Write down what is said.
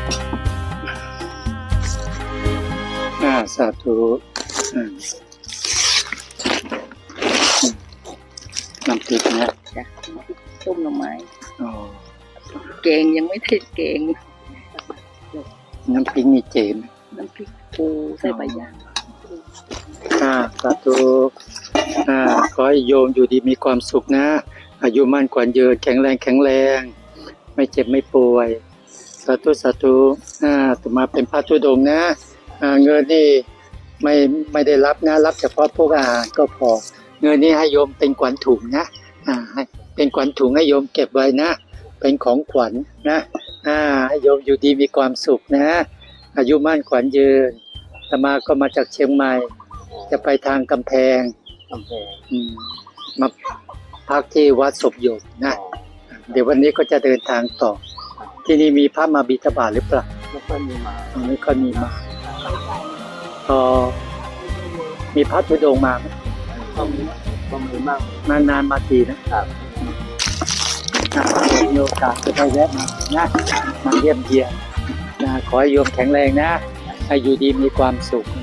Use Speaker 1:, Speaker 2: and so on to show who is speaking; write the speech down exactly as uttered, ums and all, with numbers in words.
Speaker 1: อ่าสาธุอืมน้ำพริกนะ
Speaker 2: จ้ะต้มหน่อไม้
Speaker 1: อ๋อ
Speaker 2: แกงยังไม่ได้แกง
Speaker 1: น้ำพริกมีเจม
Speaker 2: น้ำพริกปูใส่ใบย่าง
Speaker 1: อ่าสาธุอ่าขอให้โยมอยู่ดีมีความสุขนะอายุมั่นขวัญยืนแข็งแรงแข็งแรงไม่เจ็บไม่ป่วยสาธุสาธุอ่าต่อมาเป็นพระธุดงค์นะอ่าเงินนี่ไม่ไม่ได้รับนะรับเฉพาะพวกอาหารก็พอเงินนี้ให้โยมเป็นขวัญถุงนะอ่าให้เป็นขวัญถุงให้โยมเก็บไว้นะเป็นของขวัญนะอ่าให้โยมอยู่ดีมีความสุขนะอายุมั่นขวัญยืนอาตมาก็มาจากเชียงใหม่จะไปทางกำแพง
Speaker 2: กำแพง
Speaker 1: อืมมาพักที่วัดศพโยมนะเดี๋ยววันนี้ก็จะเดินทางต่อ ที่นี่มีพระมาบิณฑบาตหรือเปล่า
Speaker 2: แล้วก็มีมา
Speaker 1: ไม่ค่อยมีมาพอมีพระธุดงค์มาไหม
Speaker 2: ก็มีก็มีมาก
Speaker 1: นานๆมาทีนะครับ อ่ามีโอกาสจะได้แวะมานะมาเยี่ยมเยียนนะขอให้โยมแข็งแรงนะให้อยู่ดีมีความสุข